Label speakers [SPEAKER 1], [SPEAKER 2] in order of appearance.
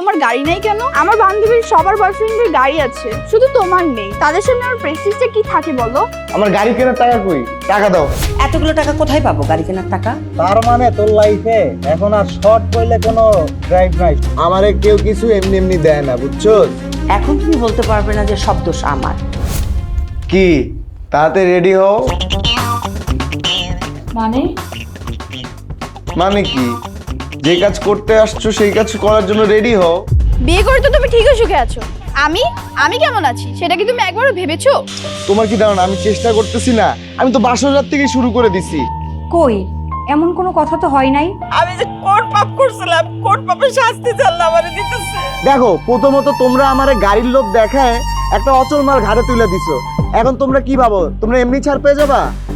[SPEAKER 1] তোমার গাড়ি নাই কেন? আমার বান্ধবীর সবার বয়ফ্রেন্ডের গাড়ি আছে, শুধু তোমার নেই। তাদের সামনে আমার প্রেস্টিজটা কি থাকে বলো?
[SPEAKER 2] আমার গাড়ি কেনার টাকা কই? টাকা দাও।
[SPEAKER 3] এতগুলো টাকা কোথায় পাবো গাড়ি কেনার টাকা?
[SPEAKER 4] তার মানে তোর লাইফে এখন আর শর্ট পড়লে কোনো ড্রাইভ নাই।
[SPEAKER 2] আমারে কেউ কিছু এমনি এমনি দেয় না, বুঝছো?
[SPEAKER 3] এখন তুমি বলতে পারবে না যে সব দোষ আমার।
[SPEAKER 2] কি তাতে রেডি হও? মানে কি? যে কাজ করতে আসছো সেই কাজ করার জন্য রেডি হও।
[SPEAKER 1] বিয়ে করে তো তুমি ঠিকই সুখে আছো। আমি আমি কেমন আছি সেটা কি তুমি একবারও ভেবেছো?
[SPEAKER 2] তোমার কি ধারণা আমি চেষ্টা করতেছি না? আমি তো বাসর রাত থেকেই শুরু করে দিছি।
[SPEAKER 5] কই এমন কোনো কথা তো হয় নাই।
[SPEAKER 3] আমি যে কোন পাপ করছিলাম, কোন পাপের শাস্তি আল্লাহ আমারে দিতেছে।
[SPEAKER 2] দেখো, প্রথমত তোমরা আমারে গাড়ির লোভ দেখায় একটা অচল মাল ঘাড়ে তুলে দিছো। এখন তোমরা কি ভাবো তোমরা এমনি ছাড় পেয়ে যাবা?